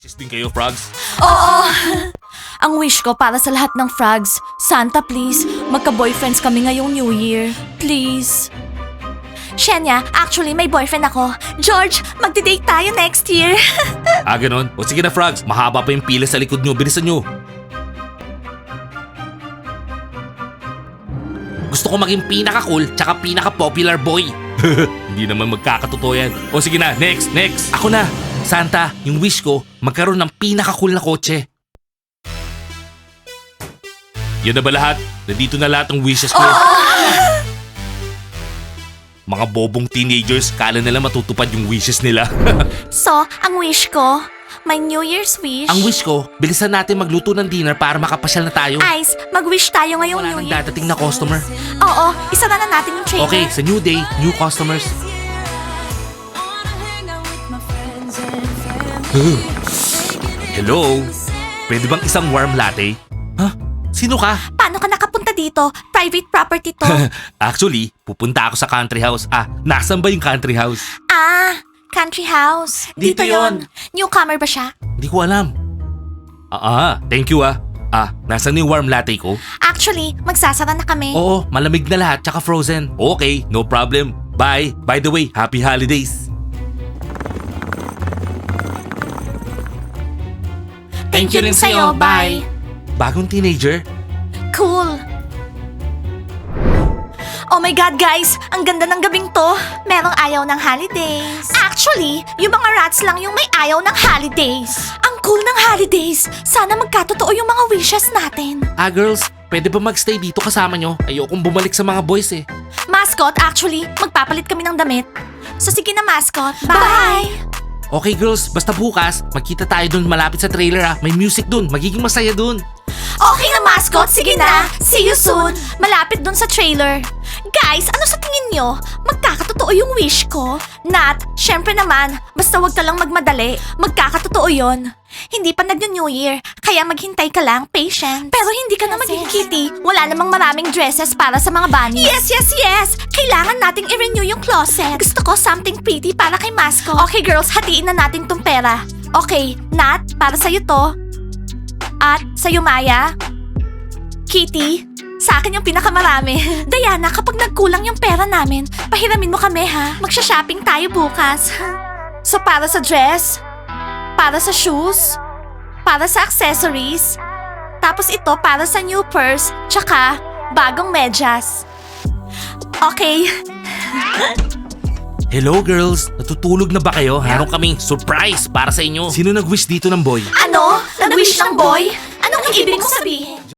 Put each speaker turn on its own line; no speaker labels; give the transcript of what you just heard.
Sis din kayo, frogs?
Oo! Ang wish ko para sa lahat ng frogs, Santa please, magka-boyfriends kami ngayong New Year. Please. Shenya, actually may boyfriend ako. George, magdi-date tayo next year.
Ganon. O sige na, frogs. Mahaba pa yung pila sa likod nyo. Bilisan nyo. Gusto ko maging pinaka-cool tsaka pinaka-popular boy. Hindi naman magkakatotoo yan. O sige na, next. Ako na. Santa, yung wish ko, magkaroon ng pinaka-cool na kotse. Yun na ba lahat? Nandito na lahat ng wishes ko. Mga bobong teenagers, kala nila matutupad yung wishes nila.
So, ang wish ko, my New Year's wish.
Ang wish ko, bilisan natin magluto ng dinner para makapasyal na tayo.
Ice, mag-wish tayo ngayong
Wala
New
nang
Year.
dadating na customer.
Oo, isara na natin yung trailer.
Okay, sa new day, new customers. Hello? Pwede bang isang warm latte? Huh? Sino ka?
Paano ka nakapunta dito? Private property to.
Actually, pupunta ako sa country house. Nasaan ba yung country house?
Country house.
Dito yon.
Newcomer ba siya?
Hindi ko alam. Thank you nasaan yung warm latte ko?
Actually, magsasara na kami.
Oo, malamig na lahat tsaka frozen. Okay, no problem. Bye. By the way, happy holidays.
Thank you rin sa'yo. Bye.
Bagong teenager?
Cool. Oh my God, guys! Ang ganda ng gabing to. Merong ayaw ng holidays. Actually, yung mga rats lang yung may ayaw ng holidays. Ang cool ng holidays. Sana magkatotoo yung mga wishes natin.
Girls, pwede ba magstay dito kasama nyo? Ayokong bumalik sa mga boys eh.
Mascot, actually, magpapalit kami ng damit. So sige na, mascot. Bye!
Okay girls, basta bukas, magkita tayo dun malapit sa trailer May music dun, magiging masaya dun.
Okay na, mascot. Sige na. See you soon. Malapit dun sa trailer. Guys, ano sa tingin nyo? Magkakatotoo yung wish ko? Nat, syempre naman. Basta wag ka lang magmadali. Magkakatotoo yon. Hindi pa nag-New Year, kaya maghintay ka lang, patient. Pero hindi ka na maging kitty. Wala namang maraming dresses para sa mga bunnies. Yes! Kailangan nating i-renew yung closet. Gusto ko something pretty para kay mascot. Okay girls, hatiin na natin tong pera. Okay, Nat, para sa'yo to. At sa'yo, Maya. Kitty, sa akin yung pinakamarami. Diana, kapag nagkulang yung pera namin, pahiramin mo kami ha. Magsha-shopping tayo bukas. So para sa dress, para sa shoes, para sa accessories, tapos ito para sa new purse, tsaka bagong medyas. Okay.
Hello girls, natutulog na ba kayo? Meron kaming surprise para sa inyo. Sino nag-wish dito ng boy?
Ano? Nag-wish ng boy? Anong ibig mong sabihin?